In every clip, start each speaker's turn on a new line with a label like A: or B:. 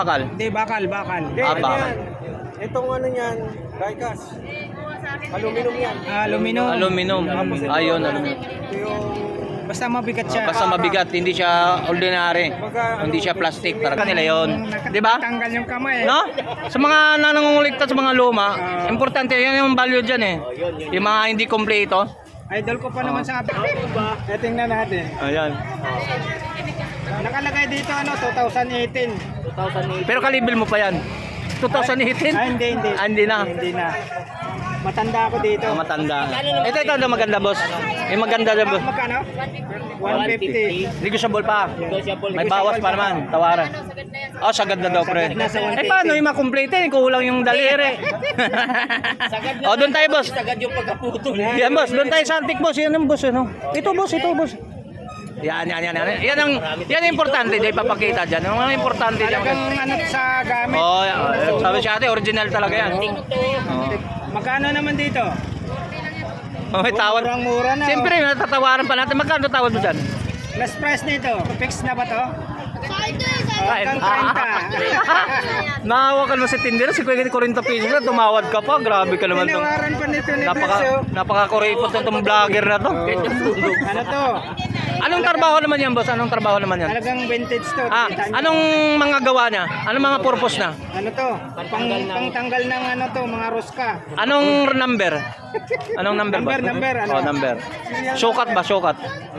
A: Bakal.
B: Hindi, bakal.
C: Hindi,
A: Ah,
C: ano
A: bakal.
C: yan? Itong ano niyan, diecast. Aluminum yan.
B: Aluminum.
A: Aluminum. Ayun, aluminum.
C: Ito yung
B: Basta mabigat siya.
A: Basta mabigat, hindi siya ordinary. Hindi siya plastic. Talaga nila yun. Di ba?
B: Tanggal yung kamay.
A: No? Sa mga nangungulikta sa mga luma, importante yan yung value dyan eh. Yung mga hindi kompleto.
B: Idol ko pa naman sa atin. Tingnan natin.
A: Ayan.
B: Nakalagay dito 2018.
A: Pero kalibil mo pa yan. 2018?
B: Hindi.
A: Ah, hindi na.
B: Hindi na. Matanda ako dito.
A: Matanda. Ito na maganda, boss. Yung maganda na, boss.
B: Magkano? 150.
A: Negotiable pa. May bawas pa naman. Tawaran. Oh, sagad na daw, pre. Eh, paano yung makomplete? Kulang yung daliri. Oh, doon tayo, boss.
C: sagad yung pagkaputol.
A: Yan, boss. Doon tayo sa antik, boss. Yan ang boss, ano? Ito, boss. Yan. Yan ang importante, di papakita diyan. Ang mga importante diyan.
B: Talagang ano sa gamit.
A: Oh, sabi siya ate, original talaga yan. Oh.
B: Magkano naman dito?
A: Oh, may tawad.
B: Murang-mura na.
A: Siyempre, natatawaran pa natin. Magkano tawad mo dyan?
B: Last price nito. Fix na ba to?
A: Kain.
B: Hanggang 30.
A: Nakawakan mo si Tinder, si 40 pesos na, tumawad ka pa. Grabe ka naman to.
B: Tinawaran pa nito ni Beso.
A: Napaka-kuripot itong vlogger na to.
B: Ano to?
A: Anong trabaho naman yan, boss? Anong trabaho naman yan?
B: Talagang vintage to.
A: Ah, anong mga gawa niya? Anong mga purpose na?
B: Ano to? Pangtanggal ng ano to, mga ruska.
A: Anong number? Anong number ba?
B: Number, ano?
A: Oh, number. Sukat ba? Sukat.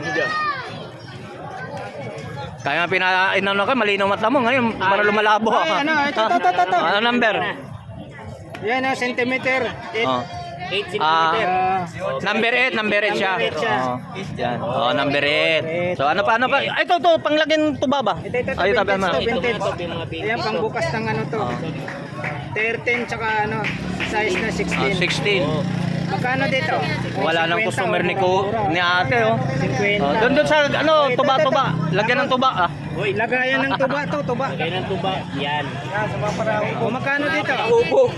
A: Kaya nga inano ka, malinaw mata mo ngayon para lumalabo.
B: Ay, ano, ito.
A: Ano number?
B: Yan na, centimeter.
A: Oh.
C: 8
A: Number 8 siya.
B: Number 8 siya.
A: Oh. Yan. Oh, number 8. So ano pa? Ay, ito panglagyan tuba ba?
B: Ito,
A: Ay, tabi mo.
B: vintage. Ayan, pangbukas ng ano to. 13 tsaka ano, size na 16.
A: 16.
B: Magkano dito?
A: Wala nang
B: 50,
A: customer ni
B: mura.
A: ni ate, oh.
B: 50.
A: Oh, doon sa ano, tuba. Lagyan ng tuba, ah.
B: Hoy, lagayan ng tuba to, tuba.
C: Lagay ng tuba. Yan.
B: O magkano dito?
C: Ubog.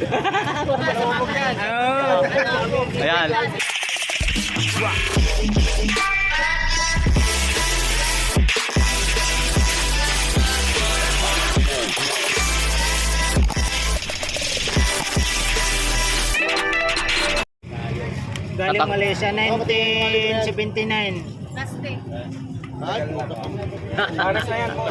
B: Oh.
A: Ayan.
B: Galing Malaysia, 1979. Aras na yan po.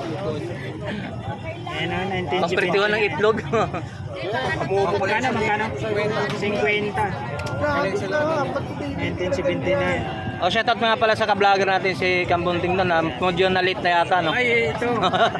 B: Ayan na,
A: Pampirtiwan ng
B: 1979.
A: itlog.
B: Magkano? 50. 1979.
A: Oh, shoutout nga pala sa ka-vlogger natin si Kambunting doon. Medyo na-late na yata, no?
B: Ay, ito.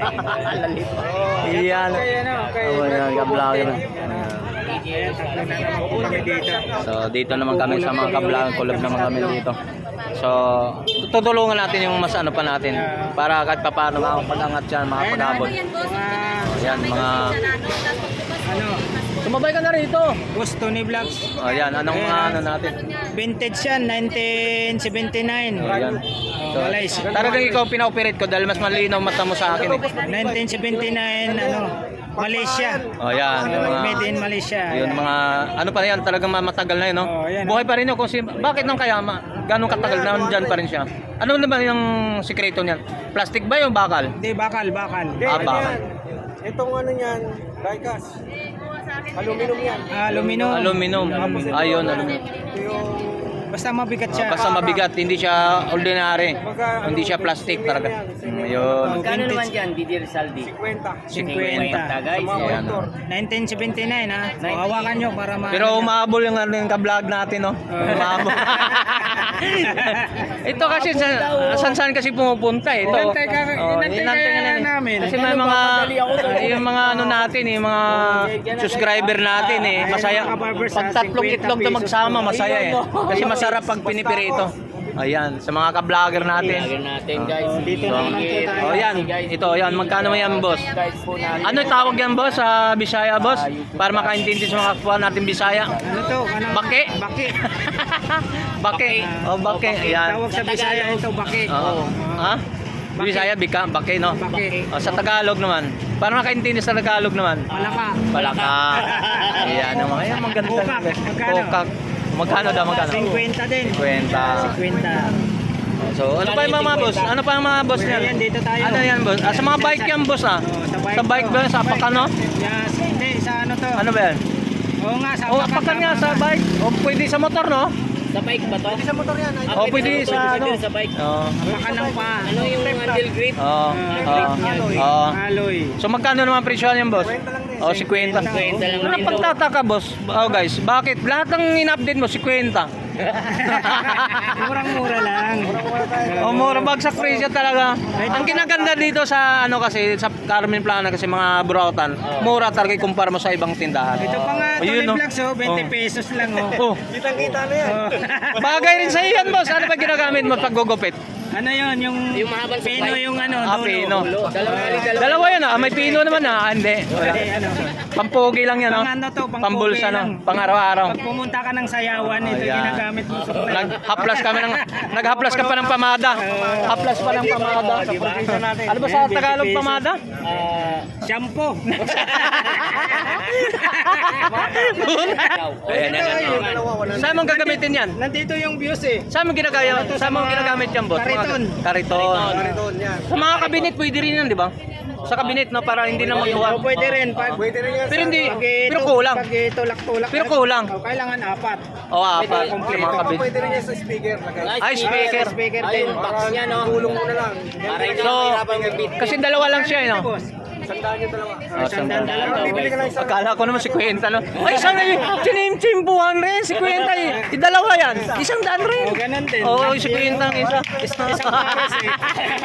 A: Iyan.
B: Okay.
A: Oh, yan, ka-vlogger.
B: Ayan, tatlo na naman po kami dito.
A: So, dito naman kami sa mga ka-vlogger. Collab naman kami dito. So, tutulungan natin yung mas ano pa natin. Para kahit pa paano makapag-angat yan, makapag-abot. Ayan, mga...
B: Ano?
A: Sumabay ka na rito.
B: Boss Tony Vlogs.
A: Ayan, anong mga ano natin?
B: Vintage yan, 1979.
A: Ayan. So,
B: Malaysia.
A: talagang ikaw pina-operate ko dahil mas malinaw mata mo sa akin.
B: 1979, ano, Malaysia.
A: Oh, yan. Yung mga,
B: Made in Malaysia.
A: yun mga, ano pa yan, talagang matagal na yun, no?
B: Oh, yan,
A: Buhay pa rin yun. Kung bakit nang kaya, ganong katagal na dyan pa rin siya? Ano naman yung sikreto niyan? Plastic ba yung bakal?
B: Hindi, bakal.
C: Hindi,
A: Ah,
C: ano
A: bakal.
C: yan? Itong ano niyan, diecast. Aluminum yan.
B: Aluminum.
A: Aluminum. Ayun, aluminum.
C: Ito yung
B: Basta mabigat siya.
A: Basta mabigat, hindi siya ordinary. Hindi siya plastic talaga. Ayun.
C: Magkano naman dyan, Didi Rizaldi?
B: 50.
C: 50 guys.
A: Ayan.
B: 1979 ha. So, hawakan nyo para ma...
A: Pero umabol yung ano yung ka-vlog natin, no? Umabol. Ito kasi saan kasi pumupunta eh. Ito.
B: Inantay ka namin.
A: Kasi may mga yung mga ano natin eh, mga subscriber natin eh. Masaya. Pag tatlong itlog na magsama, masaya eh. Kasi masarap pag pinipirito. Ayan, sa mga ka-vlogger natin.
C: guys.
B: Dito naman po tayo.
A: Oh, yan. Ito, yan. Magkano mo yan, boss? Ano tawag yan, boss? Sa Bisaya, boss? Para makaintindi sa mga kapwa natin Bisaya.
B: Ano to? Ano?
A: Bake.
B: Bake.
A: Bake. Oh, bake. Ayan.
B: Tawag sa Bisaya ito, bake.
A: Oo. Ha? Bisaya, bake, no?
B: Bake.
A: Oh, sa Tagalog naman. Para makaintindi sa Tagalog naman.
B: Palaka.
A: Palaka. Ayan, ang mga yan. Maganda.
B: Kokak. Magkano?
A: Kokak. Magkano daw, magkano?
B: 50 din.
A: 50.
B: 50.
A: So, ano pa yung mga boss? Ano pa yung mga boss niyan?
B: Ayan, dito tayo.
A: Ano yan, boss? Ah, sa mga bike yan, boss, ah.
B: Oh, sa
A: Sa bike ba? Sa apakan, no?
B: Yes, hindi, sa ano to?
A: Ano ba yan?
B: Oo nga, sa
A: O, apakan nga sa bike. O, pwede sa motor, no?
D: Sa bike ba to?
C: Pwede sa motor yan.
A: O, pwede sa ano?
D: Sa bike.
A: Oo.
B: Apakan ng pa.
D: Ano yung handle grip?
A: Oo.
B: Alloy.
A: Oo.
B: Alloy.
A: So magkano naman presyo yan, boss?
C: 50 lang din.
A: Oh, 50.
D: 50 lang
A: Ano
D: din
A: pagtataka, boss? Oh, guys, bakit lahat ng in-update mo 50?
B: Murang-mura lang.
C: Mura tayo.
A: Oh, mura bagsak presyo talaga. Ang kinaganda dito sa ano kasi sa Carmen Plana kasi mga burautan, mura talaga ikumpara mo sa ibang tindahan.
B: Ito pa nga,
A: Oh, yun,
B: Tony
A: no?
B: Vlogs, 20 pesos lang,
A: Oh,
C: Kitang-kita na yan.
A: bagay rin sa iyan, boss. Ano ba ginagamit mo pag gugupit?
B: Ano yun, yung
D: mahabang
B: pino
D: supply.
B: yung ano,
A: Ah,
B: dulo.
A: pino.
D: Dalawa.
A: Dalawa yan ah. May pino naman ah. Hindi. Wala.
B: Eh, ano,
A: Pampogi lang yan, no?
B: pang ano to, pang
A: Pambulsa,
B: pogi lang.
A: no? Pang araw-araw.
B: Pag pumunta ka ng sayawan, ito
A: Ayan.
B: ginagamit mo sa
A: Naghaplas ka pa ng pamada. Haplas pa ng pamada. Ano ba sa Tagalog pamada?
B: shampoo.
A: Ayan, yan, yan.
C: Dalawa, wala.
A: Saan mong gagamitin yan?
B: Nandito yung views eh.
A: Saan mo ginagamit? Saan mo ginagamit yan, boss?
B: Kariton.
A: Kariton.
C: Kariton yan.
A: Sa mga kabinet pwede rin yan, di ba? Sa kabinet, no, para hindi na magtuwa.
B: O pwede rin. Pag,
C: Pwede rin yan.
A: Pero hindi, pero
B: ito-
A: kulang.
B: Pag tulak-tulak.
A: Pero kulang.
B: O, kailangan apat.
A: O, apat. Sa
B: Kompleto.
A: mga kabinet.
C: Pwede rin yan sa speaker. Lagay.
A: Ay, speaker.
B: Speaker
D: Ay,
B: din.
D: yung box niya, no?
C: Gulong mo na lang.
D: Para hindi
A: So,
D: na mahirapan mag-beat.
A: kasi dalawa lang siya, no?
B: Boss.
C: Sandaan yung dalawa.
A: Oh,
B: Sandaan
A: sandaan.
B: dalawa.
C: Bibili ka lang isang.
A: Akala ko naman si Kwenta, no? Ay, isang chimpuhan rin, si Kwenta eh. Dalawa yan, isang daan rin.
B: O, ganun din.
A: Oo, si Kwenta ang isa.
B: Isang pares eh.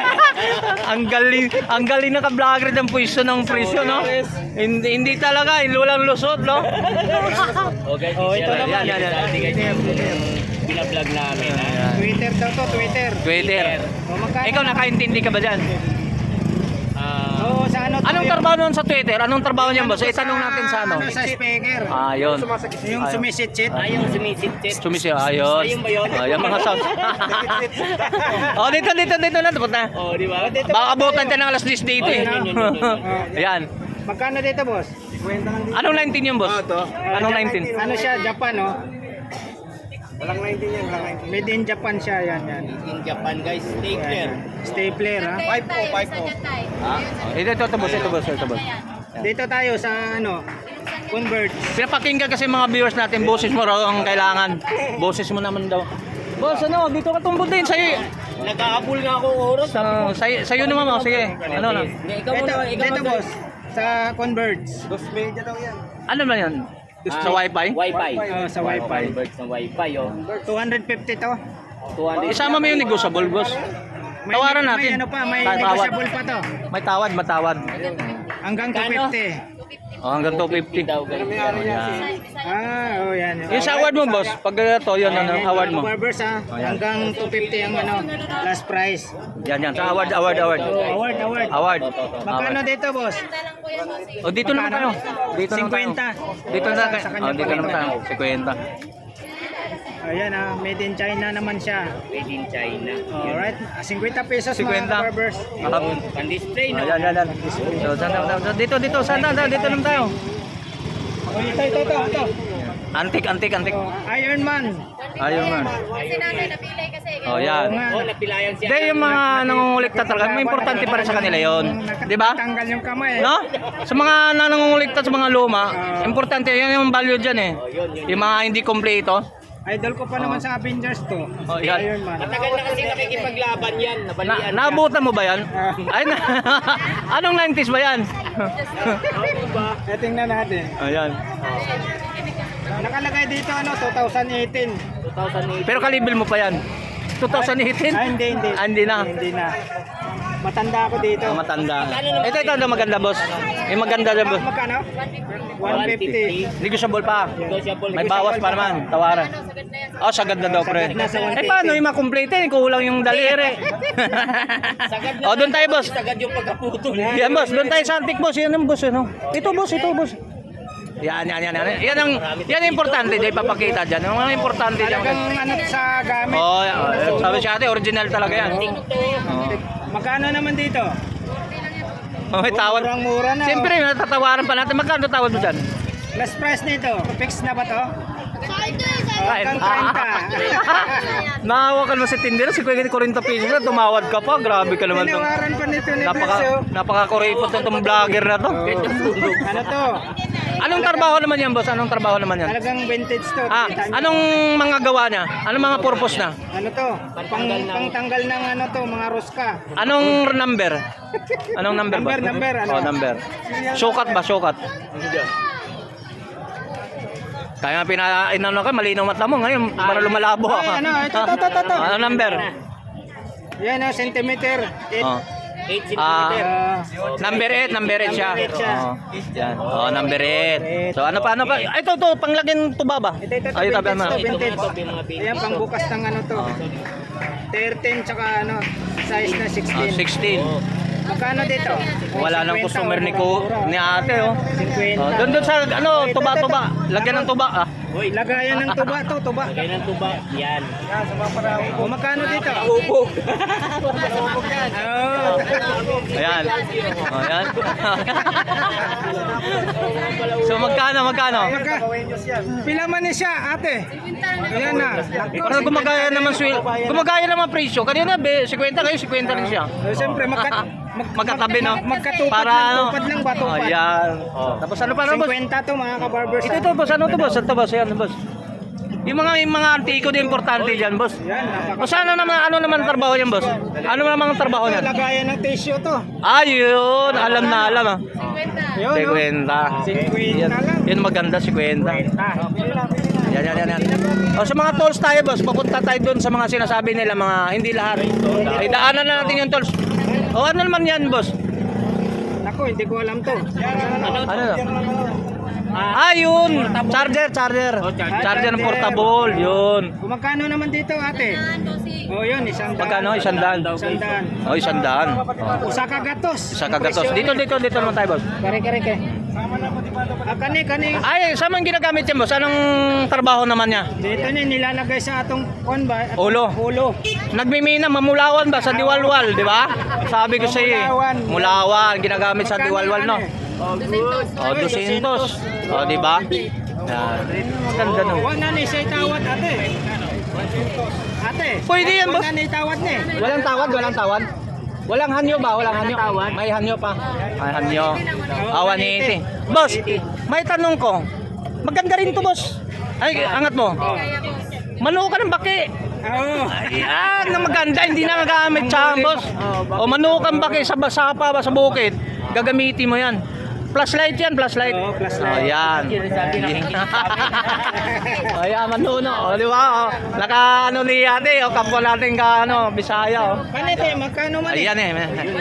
A: ang galing na ka-vlogger ng pwesto ng presyo, no? Hindi talaga, walang lusot, no?
D: Okay,
B: Oh, ito naman.
A: Yan.
D: Binablog namin, ha?
B: Twitter daw to, Twitter.
A: Twitter.
B: O, magkano?
A: Ikaw nakaintindi ka ba dyan?
B: Oo, sa ano to?
A: Anong trabaho nun sa Twitter? Anong trabaho niyan, boss? Itanong natin sa ano.
B: Sa speaker.
A: Ah, yun.
B: Yung sumisit-sit.
D: Yung sumisit-sit.
A: Sumisi, ayos.
D: Ayun ba yun?
A: Ayun, mga sounds. Oh, dito na. Tapos na.
D: Oh, di ba?
A: Baka abutan tayo ng alas 10 dito eh. Ayan.
B: Magkano dito, boss?
A: Anong 19 yung boss? Anong 19?
B: Ano siya, Japan, no?
C: Walang 19 yan. Walang 19.
B: Made in Japan siya, yan.
D: In Japan, guys. Stapler.
B: Stapler, ha?
C: 5 po.
A: Ito boss.
B: Dito tayo sa, ano, Convert.
A: Pinapakinggan kasi mga viewers natin, boses mo raw ang kailangan. Boses mo naman daw. Boss, ano, dito ka tumbod din. Sa'yo,
D: Nagkakabul nga ako oras.
A: sa'yo naman, sige. Ano na?
D: Ikaw muna, ikaw
B: Dito,
D: muna.
B: boss. Sa Converge.
C: 2 media daw yan.
A: Ano ba yan? Sa wifi?
D: Wi-Fi.
B: Sa Wi-Fi.
D: Convert sa Wi-Fi, oh.
B: 250 to.
D: 200.
A: Isama mo yung negotiable, boss. Tawaran
B: May
A: natin.
B: ano pa, may
A: Tawad.
B: negotiable pa to.
A: May matawad.
B: Hanggang
D: Kano?
B: 250.
A: Oh, hanggang 250.
D: daw, guys.
A: Yan.
B: Yan.
A: Yung sa award mo, boss, pag ito, yun, ano, award mo.
B: Barbers, ha? Hanggang 250 ang ano, last price.
A: Yan. Sa award.
B: Oh, award.
A: Award.
B: Magkano dito, boss?
A: O, dito naman tayo. Dito naman tayo.
B: 50.
A: Dito na
B: Sa
A: tayo.
B: kanya
A: Dito
B: pa rin.
A: naman tayo. 50.
B: Ayan, ha? Made in China naman siya.
D: Made in China.
B: Alright. 50 pesos
A: 50.
B: mga barbers.
D: Pan-display, no?
A: Yan. So, dito. Saan? Dito naman tayo.
B: Oh, ito.
A: Antik.
B: Oh, Iron Man.
A: Ayun man.
E: Kasi nanay napilay kasi.
A: Oh,
B: Oo
A: yan.
B: nga.
D: Oh, napilayan siya.
A: Hindi, yung mga nangungulikta talaga, may importante pa rin sa kanila yon, di ba?
B: Tanggal yung kamay.
A: No? Sa mga nangungulikta sa mga luma, importante yan yung value dyan eh. Yung mga hindi kompleto.
B: Idol ko pa naman sa Avengers to.
A: Oh, yan.
B: Iron Man.
D: Matagal na kasi nakikipaglaban yan. Nabalian
A: Naabutan mo ba yan? Ay, anong 90s ba yan?
B: Tingnan natin.
A: Ayan.
B: Nakalagay dito 2018.
D: 2008.
A: Pero kalibil mo pa yan. 2018?
B: Hindi.
A: Hindi na.
B: Hindi na. Matanda ako dito.
A: Matanda. Ito, maganda boss. Yung maganda na boss.
B: Magkano? 150.
A: Negotiable pa.
D: Negotiable.
A: May bawas pa naman. Tawaran. Oh, sagad na daw, pre.
B: Sagad na sa 150.
A: Paano yung makomplete? Kulang yung daliri.
D: Sagad na.
A: Oh, doon tayo, boss.
D: Sagad yung pagkaputol.
A: Yan, boss. Doon tayo sa antik, boss. Yan ang boss, ano? Ito, boss. Yan. Yan ang importante din papakita diyan. Yung mga importante diyan.
B: Talagang ano sa gamit.
A: Oh, sabi siya ate, original talaga yan. Oh.
B: Magkano naman dito?
A: Oh, may tawad.
B: Murang-mura na.
A: Siyempre, natatawaran pa natin. Magkano tawad mo dyan?
B: Last price nito. Fix na ba to? hanggang 30.
A: Nahawakan mo si Tinder, si Kuya 40 pesos na, tumawad ka pa. Grabe ka naman to.
B: Tinawaran pa nito ni Perso.
A: Napaka-kuripot itong vlogger na to.
B: Ano to?
A: Anong trabaho naman yan, boss? Anong trabaho naman yan?
B: Talagang vintage to.
A: Ah,
B: Kita nyo.
A: anong mga gawa niya? Anong mga purpose na?
B: Ano to? Pangtanggal ng ano to, mga ruska.
A: Anong number? Anong number ba?
B: Number, ano?
A: Oh, number. Sukat ba? Sukat? Kaya nga inano ka, malinaw mata mo ngayon, para lumalabo
B: Ay,
A: ka.
B: ano, ito.
A: Ano number?
B: Yan o, centimeter.
A: Oh.
D: 8
A: Ah,
D: cm.
A: number 8 siya.
B: Number 8 siya.
A: Oh, yan. Oh, number 8. So ano pa? Ay, ito, panglagyan tuba ba?
B: Ito,
A: Ay, tabi mo.
B: vintage. Ayan, pangbukas ng ano to. 13 tsaka ano, size na 16.
A: 16.
B: Magkano dito?
A: Wala nang
B: 50,
A: customer ni
B: mura.
A: ni ate, oh.
B: 50.
A: Oh, doon sa ano, tuba. Lagyan ng tuba, ah.
B: Uy, lagayan ng tuba to, tuba.
D: Lagay ng tuba. Yan.
B: O magkano dito?
D: Upo.
B: Oh.
A: Ayan. Oh, ayan. So magkano?
B: Pila man ni siya, ate? Ayan na.
A: Parang gumagaya naman presyo. Kanina 50 kayo, 50 rin siya.
B: Siyempre,
A: Magkatabi, no?
B: Magkatupad
A: Para
B: lang,
A: ano?
B: tupad lang ba?
A: Oh,
B: Tupad.
A: ayan. Oh. Tapos ano pa na, boss?
B: 50 to mga kabarbers.
A: Ito, boss. Ano to, boss? Ito, boss. Ayan, boss. Yung mga antiko din importante diyan, boss.
B: Yan,
A: O ano naman trabaho niyan, boss? Ano naman ang trabaho niyan?
B: lagayan ng tissue to.
A: Ayun, alam na alam, ah.
B: Yun,
A: Si
B: no?
A: Kwenta.
B: 50 lang.
A: Yun maganda si Kwenta. Yan. O sa mga tolls tayo, boss, papunta tayo doon sa mga sinasabi nila, mga hindi lahat. Ay, daanan na natin yung tolls. O ano naman yan, boss?
B: Ako, hindi ko alam to.
A: Ano na? Yun. Charger. Charger ng portable, yun.
B: Magkano naman dito, ate? Oh, yun, isang
A: Magkano? 100.
B: 100.
A: O, 100.
B: Usa ka gatos.
A: Isa kagatos. Dito naman tayo, boss.
B: Kare. Kani.
A: Ay, saan man ginagamit yan, boss? Anong trabaho naman niya?
B: Dito ni nilalagay sa atong kon ba?
A: Ulo. Nagmimina, mamulawan ba sa diwalwal, di ba? Sabi ko sa iyo. Mulawan, ginagamit sa diwalwal, no? Oh, 200. Oh, di ba? Yan. Ganda, no?
B: Wala na ni say tawad, ate. Ate.
A: Pwede yan, boss.
B: Wala na ni tawad ni.
A: Walang tawad. Walang hanyo ba? Walang hanyo. May hanyo pa. May hanyo. 180. Boss, may tanong ko. Maganda rin to, boss. Ay, angat mo. Manuo ka ng baki.
B: Oo.
A: Ayan, na maganda, hindi na gagamit sa boss. O manukan ba kayo sa basapa ba sa bukid? Gagamitin mo yan. Flashlight yan, flashlight.
B: Oo, flashlight.
A: Ayan. Ayan, manuno. O, di ba? O, naka ano ni ate, o kapwa natin ka ano, Bisaya. O.
B: Kanete, magkano man?
A: Ayan eh.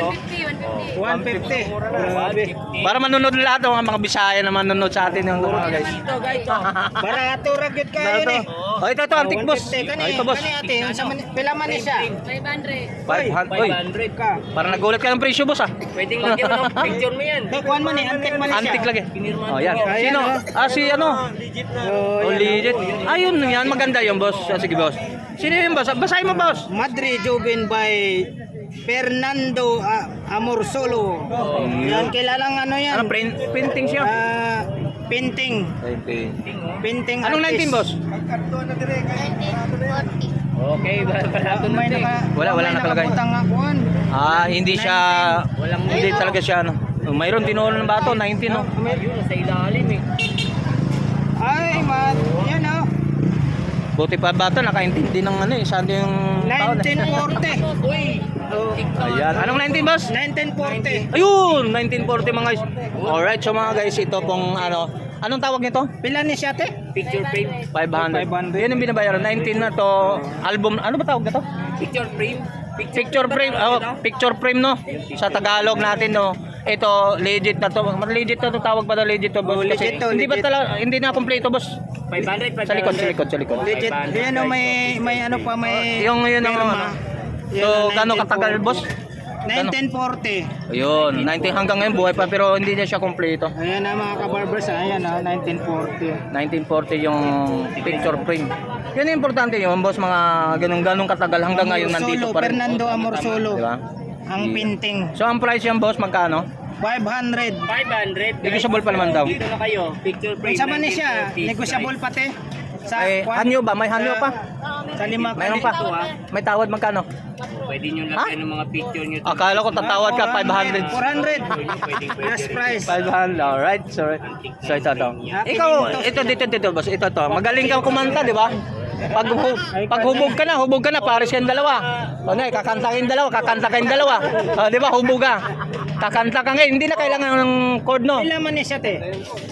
B: 150. Grabe.
A: Para manunod lahat o mga Bisaya na manunod sa atin yung mga guys.
B: Barato ragyot kayo ni.
A: O, ito, antik boss.
B: 150 kani.
A: O, ito boss.
B: Kani ate, pila man ni siya?
A: 500. Uy,
D: 500
B: Ka.
A: parang nagulat ka ng presyo boss ah.
D: Pwedeng lagyan ng picture mo yan.
B: Kuan man ni, antik man ni siya.
A: Antik lagi. Oh, yan.
B: Ayan,
A: Sino?
B: oh.
A: Si ano?
B: Oh,
A: Oh,
B: yan.
A: legit. Ayun, yan. Maganda yung boss. Sige, boss. Sino yung boss? Basahin mo, boss.
B: Madre Joven by Fernando Amorsolo. Yan, kilalang ano yan?
A: Ano, printing siya?
B: Painting. Painting
A: Anong 19, boss?
D: Okay, barato na ito.
A: Wala nakalagay. Hindi siya, hindi talaga siya, ano. Mayroon tinulo ng bato, 19, no?
D: Yun, sa ilalim eh.
B: Ay, yan o.
A: Buti pa bata, nakaintindi ng ano, saan yung tao.
B: 1940.
D: Uy!
A: Ayan. Anong 19, boss?
B: 1940.
A: Ayun, 1940 mga guys. Alright, so mga guys, ito pong ano, anong tawag nito?
B: Pila ni siya te?
D: Picture frame.
A: 500.
B: 500.
A: Yan ang binabayaran. 19 na to. Album, ano ba tawag na to?
D: Picture frame.
A: Picture frame, picture frame, no? Sa Tagalog natin, no? Ito, legit na to. Legit na to, tawag pa na legit to, boss. Kasi
B: legit to,
A: hindi ba
B: legit.
A: talaga, hindi na kompleto, boss.
D: 500.
A: Sa likod.
B: Legit. Yan o, may ano pa, may
A: Yung yun ang
B: pirma.
A: ano. So, gano'ng katagal, boss?
B: 1940.
A: Ayun, 19 hanggang ngayon buhay pa pero hindi niya siya kompleto.
B: Ayan na mga kabarbers, ayan na, 1940.
A: 1940 yung picture frame. Yan yung importante yun, boss, mga ganun katagal hanggang ngayon nandito pa rin.
B: Fernando Amorsolo.
A: Diba?
B: Ang painting.
A: So, ang price yan, boss, magkano?
B: 500.
D: 500.
A: Negotiable pa naman daw.
D: Dito na kayo. Picture frame.
B: Sa man ni siya, negosyable pati.
A: May hanyo ba? May hanyo pa?
B: Sa lima
A: Mayroon pa? May tawad magkano?
D: Pwede nyo lagyan ng mga picture nyo.
A: Akala ko tatawad ka 500.
B: 400. Last price.
A: 500. Alright. So ito to. Ikaw, dito boss. Ito to. Magaling kang kumanta, di ba? Pag hubog ka na, pares yan dalawa. O na, kakanta kayong dalawa. O, di ba, hubog ka. Kakanta ka ngayon, hindi na kailangan ng chord, no?
B: Ilan man niya te?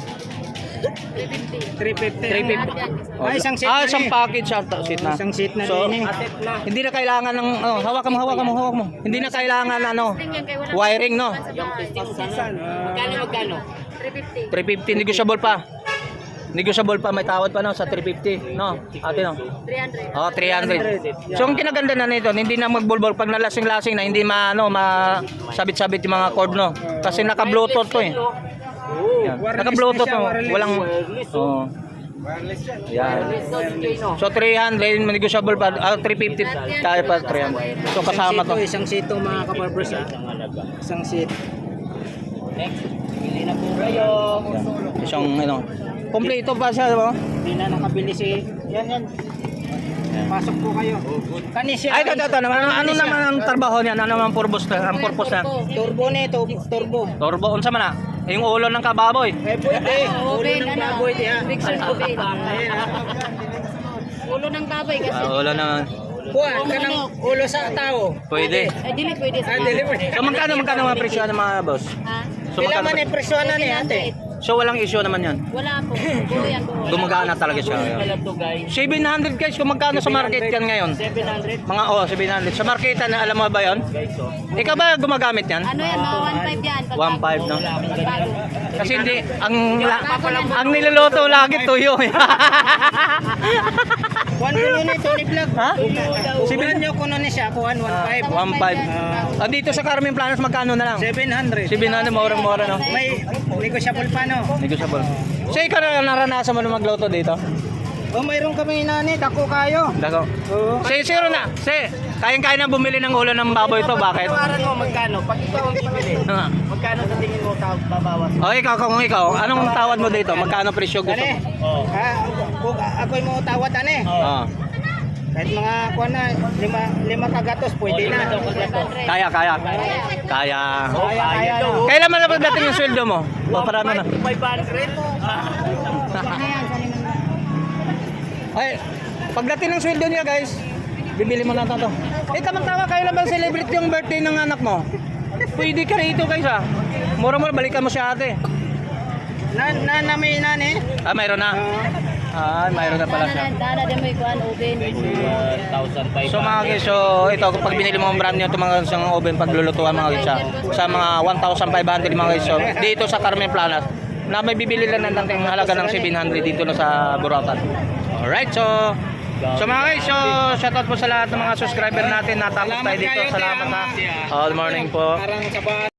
B: 350. Ay, isang seat na
A: isang
B: eh.
A: package seat na.
B: Isang seat na
A: So,
B: din eh.
A: hindi na kailangan ng, hawak mo. Hindi na kailangan, wiring, no?
D: Magkano?
E: 350.
A: 350, negotiable pa. Negotiable pa, may tawad pa no, sa 350, no? Ate, no?
E: 300.
A: Oh, 300. So, ang kinaganda na nito, hindi na magbulbol pag nalasing-lasing na, hindi masabit-sabit yung mga cord, no? Kasi naka-bluetooth to eh. Yan. Naka-bluetooth to. Walang, oh. Yan. So, 300, negotiable pa. 350, kaya pa 300. So, kasama to.
B: Isang seat to mga kabarbers ha. Isang seat.
D: Next. Pili na po kayo.
A: Isang, kompleto pa siya, diba?
B: Hindi na nakabili si... Yan. Pasok po kayo. Kanisya.
A: Ay, ito naman. Ano naman ang trabaho niyan? Ano naman ang purpose na?
B: Turbo nito, turbo.
A: Turbo, unsa man na? Yung ulo ng kababoy.
B: Eh, pwede. Ulo
E: Oven,
B: ng baboy di ha.
E: Mixer oven.
B: Ayan ha.
E: Ulo ng baboy kasi.
A: Ulo naman.
B: Kuha ka ng ulo sa tao.
A: Pwede.
E: Dili pwede sa.
B: Dili pwede.
A: So, magkano mga presyo ng mga boss?
E: Ha?
A: So,
B: Pila man
A: magkano?
B: eh, presyonan eh ate.
A: So, walang issue naman yan.
E: Wala po. Buo yan buo.
A: Gumagana talaga siya.
D: Alam to guys.
A: 700 guys, kung magkano sa market yan ngayon?
D: 700
A: Mga 700. Sa marketan, alam mo ba yan?
D: guys. So,
A: Ikaw ba gumagamit yan?
E: Ano yan? Mga 1.5 yan.
A: 1.5 no?
E: Pagbago.
A: Kasi hindi, ang niluluto lagi tuyo.
B: Kuhan ko nun ito ni vlog.
A: Ha?
B: Sibilan nyo ko nun siya. Kuhan 1.5.
A: 1.5. Dito sa Carmen Planos, magkano na lang?
B: 700.
A: 700, murang-mura no?
B: May negotiable pa no?
A: Negotiable. So, ikaw na naranasan mo na magluto dito?
B: O mayroon kami nani, dako kayo.
A: Dako.
B: Oo.
A: Zero na. Kayang-kaya na bumili ng ulo ng baboy to. Bakit?
D: Tawaran mo magkano? Pag ikaw ang bibili, magkano sa tingin mo babawas?
A: O ikaw, kung ikaw, anong tawad mo dito? Magkano presyo gusto
B: Ane,
A: mo?
B: kung ako'y mo tawad ane.
A: Oh.
B: Kahit mga kuha na, lima kagatos, pwede na.
A: Kaya.
B: Kaya.
A: Kailan man na pagdating yung sweldo mo? O parang na.
D: 500?
A: Ay, pagdating ng sweldo niya guys, bibili mo na to. Tamang-tama, kailan ba celebrate yung birthday ng anak mo? Pwede ka rito guys ha. Mura-mura, balikan mo si ate.
B: May nani.
A: Mayroon na. Mayroon na pala siya.
E: Dana din mo ikuan oven.
D: 1,500.
A: So mga guys, so ito pag binili mo ang brand nyo, ito mga isang oven paglulutuan mga guys sa mga 1,500 mga guys. So dito sa Carmen Planas, na may bibili lang ng tangking halaga ng 700 dito na sa Buratan. Alright, so mga guys, so shoutout po sa lahat ng mga subscriber natin. Natapos tayo dito. Salamat ha. Good morning po.
B: Parang sa